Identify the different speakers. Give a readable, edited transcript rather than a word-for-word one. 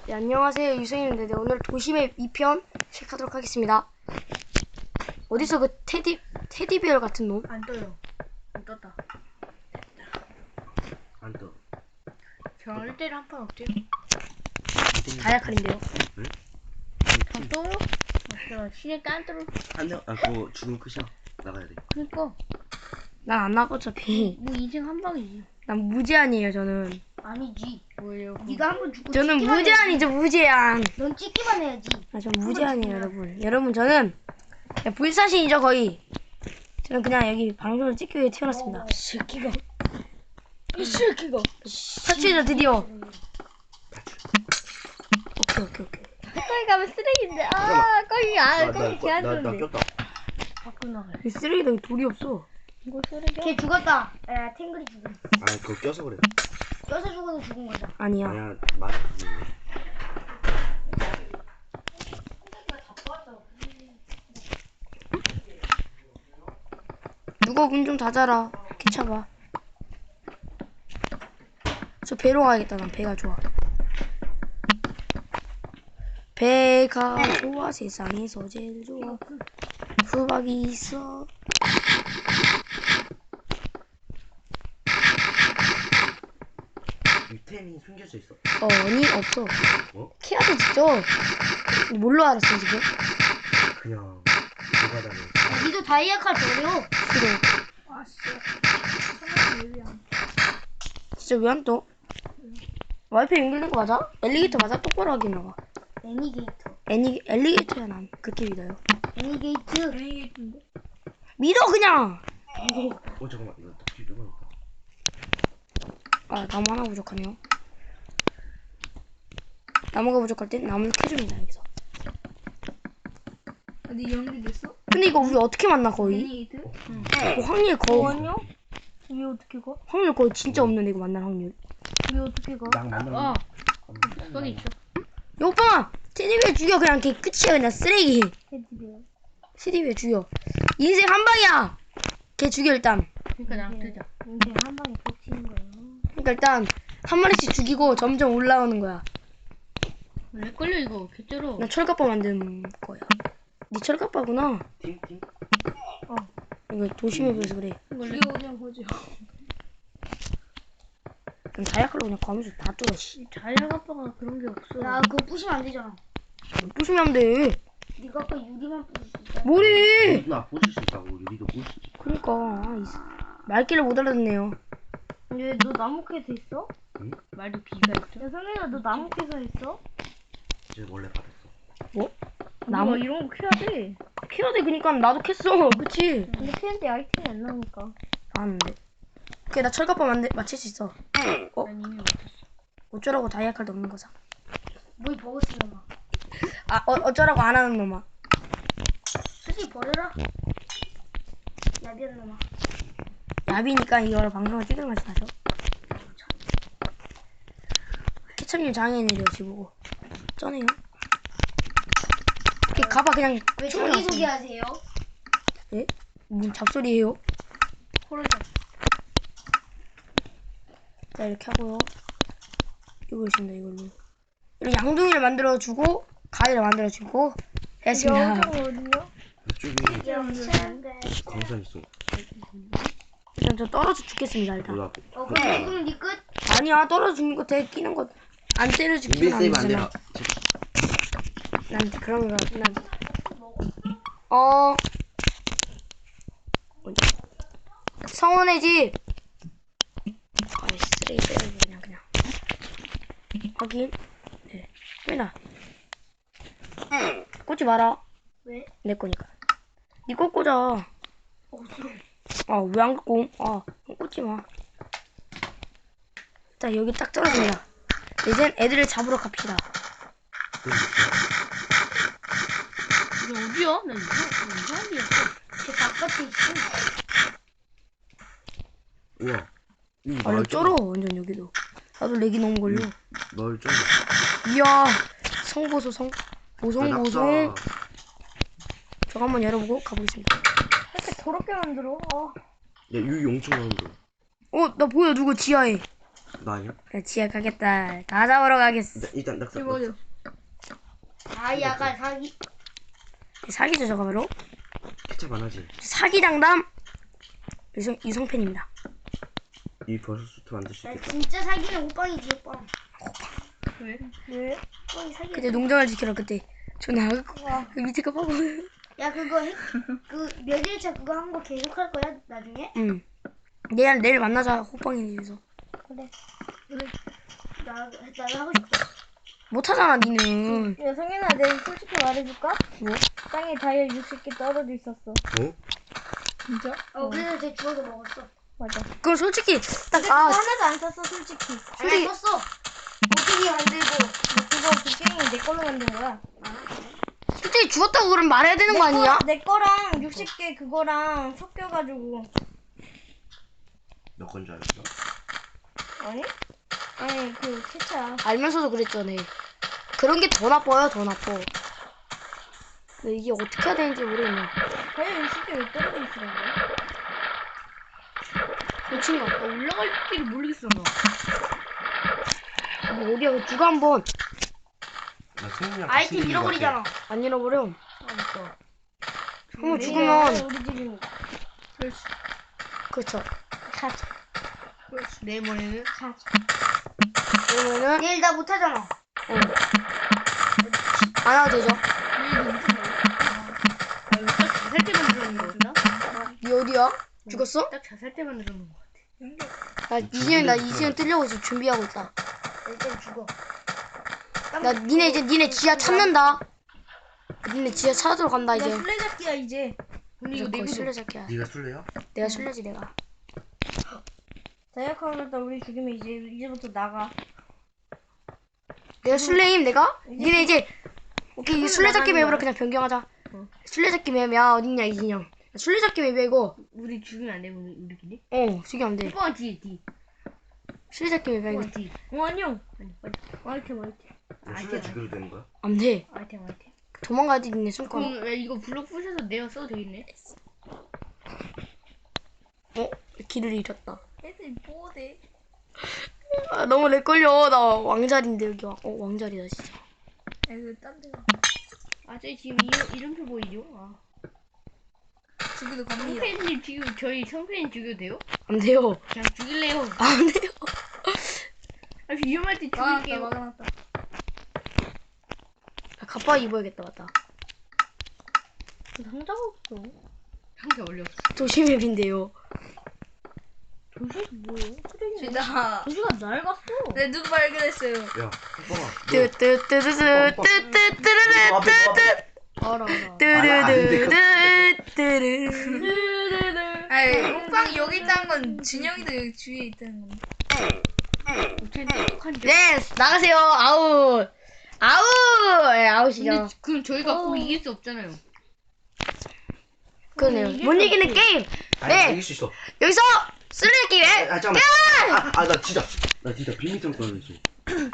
Speaker 1: 네, 안녕하세요. 유승입니다. 네, 오늘 도심의 2편 시작하도록 하겠습니다. 어디서 그 테디베어 같은 놈?
Speaker 2: 안 떠요. 안 떴다.
Speaker 3: 안 떠.
Speaker 2: 별 때를 한 판 어때요?
Speaker 1: 다이아칼인데요.
Speaker 3: 응?
Speaker 2: 안 떠요? 맞아. 신의 깐뚜루.
Speaker 3: 안 돼. 아 그거 죽으면 끝이야. 나가야 돼.
Speaker 2: 그니까
Speaker 1: 난 안 나가 어차피.
Speaker 2: 뭐 인생 한 방이지.
Speaker 1: 난 무제한이에요. 저는.
Speaker 4: 아니지.
Speaker 2: 뭐예요?
Speaker 4: 네가 한 번 죽고
Speaker 1: 저는
Speaker 4: 찍기만
Speaker 1: 무제한이죠. 무제한.
Speaker 4: 해야지. 넌 찍기만 해야지.
Speaker 1: 아, 전 무제한이에요, 여러분. 여러분, 저는 그냥 불사신이죠, 거의. 저는 그냥 여기 방송을 찍기 위해 태어났습니다.
Speaker 2: 새끼가. 이 새끼가.
Speaker 1: 탈출이다, 드디어. 오케이.
Speaker 2: 가까이 가면 쓰레기인데. 거기 개안
Speaker 3: 나
Speaker 2: 좋은데.
Speaker 3: 꼈다.
Speaker 2: 밖으로 나가요.
Speaker 1: 이 쓰레기통에 돌이 없어.
Speaker 2: 이거 쓰레기야?
Speaker 4: 걔 죽었다. 야, 탱글이 죽음.
Speaker 3: 아 그거 껴서 그래.
Speaker 4: 껴서 죽어도 죽은 거다.
Speaker 1: 아니야.
Speaker 3: 아니야 맞아.
Speaker 1: 누가 문 좀 닫아라. 귀찮아. 저 배로 가야겠다. 난 배가 좋아. 배가 좋아. 세상에서 제일 좋아. 수박이 있어.
Speaker 3: 유템이 숨겨져 있어.
Speaker 1: 아니 없어.
Speaker 3: 어?
Speaker 1: 키아도 직접. 뭘로 알았어 지금?
Speaker 3: 그냥 노가다네.
Speaker 4: 니도 다이아칼 버려.
Speaker 1: 싫어.
Speaker 2: 아 씨.
Speaker 1: 진짜 왜 안 떠? 와이파이 연결된 거 맞아? 엘리게이터 맞아? 똑바로 하긴 나와.
Speaker 4: 애니게이터.
Speaker 1: 엘리게이터야 난 그렇게 믿어요.
Speaker 4: 애니게이트.
Speaker 1: 믿어 그냥.
Speaker 3: 잠깐만 이거 딱 뒤집어놓을까?
Speaker 1: 아 나무 하나 부족하네요. 나무가 부족할 땐 나무를 캐줍니다 여기서.
Speaker 2: 어디 연결됐어?
Speaker 1: 근데 이거 우리 어떻게 만나 거의?
Speaker 2: 애니게이트?
Speaker 1: 확률 거의
Speaker 2: 왜 어떻게 가?
Speaker 1: 확률 거의 진짜 없는데 이거 만날 확률.
Speaker 2: 왜 어떻게 가?
Speaker 3: 막 만나.
Speaker 2: 거기 있어.
Speaker 1: 오빠 테디베어 죽여 그냥 걔 끝이야 그냥 쓰레기.
Speaker 2: 헤드비어.
Speaker 1: 테디베어 죽여. 인생 한 방이야. 걔 죽여 일단.
Speaker 2: 그러니까 나랑 뜨자.
Speaker 4: 인생 한 방에 꽂히는 거야.
Speaker 1: 그러니까 일단 한 마리씩 죽이고 점점 올라오는 거야.
Speaker 2: 왜 걸려 이거? 개쩔어.
Speaker 1: 나 철갑바 만드는 거야. 네 철갑바구나.
Speaker 3: 팀?
Speaker 1: 이거 도심에 비해서 그래.
Speaker 2: 이게 그냥 거지.
Speaker 1: 그럼 다이아칼로 그냥 가면서 다 뚫어 씨.
Speaker 2: 자연아빠가 그런 게 없어.
Speaker 4: 야, 그거 부시면 안 되잖아.
Speaker 1: 부수면 안 돼.
Speaker 4: 네가 아까 유리만 부실 수 있잖아.
Speaker 1: 뭐래?
Speaker 3: 나 부술 수 있다고. 유리도 부술 수 있지.
Speaker 1: 그러니까 말귀를 못 알아듣네요.
Speaker 4: 왜 너 나무 캐서 있어?
Speaker 2: 말도 비가 있어.
Speaker 4: 야, 성현아, 너 나무 캐서 있어?
Speaker 3: 이제 원래 받았어.
Speaker 1: 뭐?
Speaker 2: 나무
Speaker 1: 나무
Speaker 2: 이런 거 캐야 돼.
Speaker 1: 캐야 돼. 그니까 나도 캤어. 그치?
Speaker 4: 근데 캐는데 아이템이 안 나오니까.
Speaker 1: 아는데. 오케이 나 철갑바 맞힐 수 있어.
Speaker 2: 난 이미 못했어.
Speaker 1: 어쩌라고 다이아칼도 없는 거사.
Speaker 4: 뭘 버거스 놈아.
Speaker 1: 아 어쩌라고 안 하는 놈아.
Speaker 4: 솔직히 버려라. 야비한 놈아.
Speaker 1: 야비니까 이걸 방송을 찍는 맛이 나죠. 케첩님 장애인이래요 지보고. 쩌네요. 오케이 가봐 그냥.
Speaker 4: 왜
Speaker 1: 충분히
Speaker 4: 자기소개
Speaker 1: 왔습니다.
Speaker 4: 하세요?
Speaker 1: 예? 무슨 잡소리예요?
Speaker 2: 코로나.
Speaker 1: 자 이렇게 하고요. 이거 있습니다 이걸로. 이렇게 양동이를 만들어주고 가위를 만들어주고 했습니다.
Speaker 2: 어디요?
Speaker 3: 이쪽에
Speaker 4: 영천대.
Speaker 3: 광산 있어.
Speaker 1: 일단 저 떨어져 죽겠습니다 일단.
Speaker 3: 몰라.
Speaker 4: 그럼 지금 네 끝?
Speaker 1: 아니야 떨어져 죽는 거 되게 끼는 거 안 때려 죽기는
Speaker 3: 인벤
Speaker 1: 안
Speaker 3: 세이브 안
Speaker 1: 되잖아.
Speaker 3: 되나?
Speaker 1: 난 그런 거 난. 성원의 집. 아이 쓰레기 빼고 그냥. 확인. 네. 빼놔. 꽂지 마라.
Speaker 4: 왜?
Speaker 1: 내 거니까. 니거 꽂아. 아 왜 안 갖고 옴? 아 꽂지 마. 자 여기 딱 떨어집니다. 이젠 애들을 잡으러 갑시다.
Speaker 2: 이게 어디야? 나 이상한 데 있어.
Speaker 4: 제 바깥에 있어.
Speaker 3: 우와.
Speaker 1: 아 여기 쩔어 완전 여기도. 나도 렉이 너무 걸려.
Speaker 3: 널 좀.
Speaker 1: 이야 성보소 성 보송. 저거 한번 열어보고 가보겠습니다.
Speaker 4: 이렇게 더럽게 만들어.
Speaker 3: 야, 유 용충 만들어.
Speaker 1: 나 보여 누구 지하에.
Speaker 3: 나 아니야?
Speaker 1: 야, 지하 가겠다. 다 잡으러 가겠어.
Speaker 3: 일단 낙사.
Speaker 2: 이거 어디야?
Speaker 4: 아 약간 사기.
Speaker 1: 사기죠, 저거 바로.
Speaker 3: 케찹 안 하지?
Speaker 1: 사기 장담 유성팬입니다.
Speaker 3: 이 버섯 수트 만들 수
Speaker 4: 나
Speaker 3: 있겠다.
Speaker 4: 진짜 사기는 호빵이지 호빵.
Speaker 2: 왜?
Speaker 4: 왜? 호빵이 사기.
Speaker 1: 그때 농장을 지키러 그때 저 나갈 거. 그 밑에 거 봐봐.
Speaker 4: 야 그거 그 며칠차 그거 한 거 계속 할 거야 나중에?
Speaker 1: 응. 내일 만나자 호빵이에서.
Speaker 4: 그래. 나도 하고 싶어.
Speaker 1: 못하잖아 니는.
Speaker 5: 야, 성현아, 내가 솔직히 말해줄까?
Speaker 1: 뭐?
Speaker 5: 땅에 다이아 60개 떨어져 있었어.
Speaker 3: 어?
Speaker 5: 진짜?
Speaker 4: 그래서 쟤 주워서 먹었어.
Speaker 5: 맞아.
Speaker 1: 그럼 솔직히 딱
Speaker 5: 그거
Speaker 1: 아
Speaker 5: 하나도 안 썼어, 솔직히.
Speaker 4: 아니 썼어. 어떻게 만들고.
Speaker 5: 그거 그 게임이 내 걸로 만든 거야.
Speaker 1: 솔직히 죽었다고 그럼 말해야 되는 거 아니야?
Speaker 5: 내 거랑 60개 그거랑 섞여가지고.
Speaker 3: 너 건 줄 알았어?
Speaker 5: 아니? 아니, 그 케찹.
Speaker 1: 알면서도 그랬잖아. 그런 게 더 나빠요, 더 나빠. 근데 이게 어떻게 해야 되는지 모르겠네.
Speaker 5: 다이아 60개 왜 떨어져 있으라고?
Speaker 1: 미친 거.
Speaker 2: 나 올라갈 길 모르겠어 나.
Speaker 1: 뭐 어디야? 누가 한번
Speaker 3: 나 승민이랑 같이
Speaker 4: 아이템
Speaker 3: 있는 거 같아.
Speaker 4: 잃어버리잖아.
Speaker 1: 안 잃어버려.
Speaker 2: 알았어.
Speaker 1: 한번
Speaker 5: 네,
Speaker 1: 죽으면
Speaker 5: 우리 집입니다.
Speaker 2: 그렇지.
Speaker 1: 그렇죠.
Speaker 5: 카츠.
Speaker 2: 그렇지. 내 머리는
Speaker 5: 카츠.
Speaker 1: 그러면은
Speaker 4: 내일 나 못하잖아.
Speaker 1: 안 와도 되죠.
Speaker 2: 내일도 무슨 말이야? 아, 이거 딱 자살 때 만들어놓은 거 같다.
Speaker 1: 니 어디야? 죽었어?
Speaker 2: 딱 자살 때 만들어놓은 거 같아.
Speaker 1: 나 이시연 뜨려고 지금 준비하고 있다.
Speaker 4: 일단 죽어.
Speaker 1: 나 니네 지하 찾는다. 니네 지하 찾으러 간다
Speaker 5: 나
Speaker 1: 이제.
Speaker 5: 술래잡기야, 이제.
Speaker 2: 근데 이거
Speaker 1: 거의
Speaker 2: 내구도
Speaker 1: 술래잡기야.
Speaker 3: 네가 술래야?
Speaker 1: 내가 술래지 내가.
Speaker 5: 다이아 카운터 우리 죽이면 이제부터 나가.
Speaker 1: 내가 술래임 내가? 니네 이제 오케이 이 술래잡기
Speaker 5: 나가는
Speaker 1: 맵으로
Speaker 5: 거야.
Speaker 1: 그냥 변경하자. 술래잡기 맵이야 어딨냐 이진영. 술래잡기 맵이야 이거.
Speaker 2: 우리 죽이면 안 돼, 우리끼리?
Speaker 1: 죽이면 안 돼.
Speaker 2: 오빠가 뒤.
Speaker 1: 술래잡기 맵이야 이거.
Speaker 2: 오빠가 뒤.
Speaker 5: 아니요.
Speaker 2: 아니, 빨리.
Speaker 5: 아이템.
Speaker 3: 너 술래 죽여도 되는 거야?
Speaker 1: 안 돼.
Speaker 2: 아이템.
Speaker 1: 도망가야지 니네 숨고.
Speaker 2: 그럼 야, 이거 블록 부셔서 내가 써도 되겠네?
Speaker 1: 길을 잃었다.
Speaker 5: 애들 뭐래?
Speaker 1: 아, 너무 렉 걸려. 나 왕자리인데 여기 왕자리다 진짜.
Speaker 5: 애들 딴 데가.
Speaker 2: 아, 저기 지금 이름표 보이죠? 아.
Speaker 5: 죽이도 갑니다.
Speaker 2: 성팬님 지금 저희 성팬님 죽여도 돼요?
Speaker 1: 안 돼요.
Speaker 2: 그냥 죽일래요.
Speaker 1: 안 돼요.
Speaker 2: 아, 위험할 때 죽일게요.
Speaker 5: 막아놨다.
Speaker 1: 갑바 입어야겠다 맞다.
Speaker 5: 상자가 없어.
Speaker 2: 상대 올렸어.
Speaker 1: 도시맵인데요.
Speaker 5: 도시 뭐예요?
Speaker 2: 진짜.
Speaker 5: 도시가 낡았어.
Speaker 2: 네, 누구 발견했어요?
Speaker 3: 야, 오빠가.
Speaker 1: 뜨뜨뜨뜨뜨뜨뜨뜨뜨뜨
Speaker 5: 알아.
Speaker 1: 뜨르르르르르르.
Speaker 2: 아이, 호빵이 여기 있다는 건 진영이도 여기 주위에 있다는 건데.
Speaker 1: 네 나가세요. 아웃. 아웃이죠.
Speaker 2: 근데 그럼 저희가 꼭 이길 수 없잖아요.
Speaker 1: 그러네요. 못 이기는 게임. 네.
Speaker 3: 이길 수 있어.
Speaker 1: 여기서 쓰레기 왜?
Speaker 3: 잠깐만. 나 진짜 비밀 좀 꺼야지.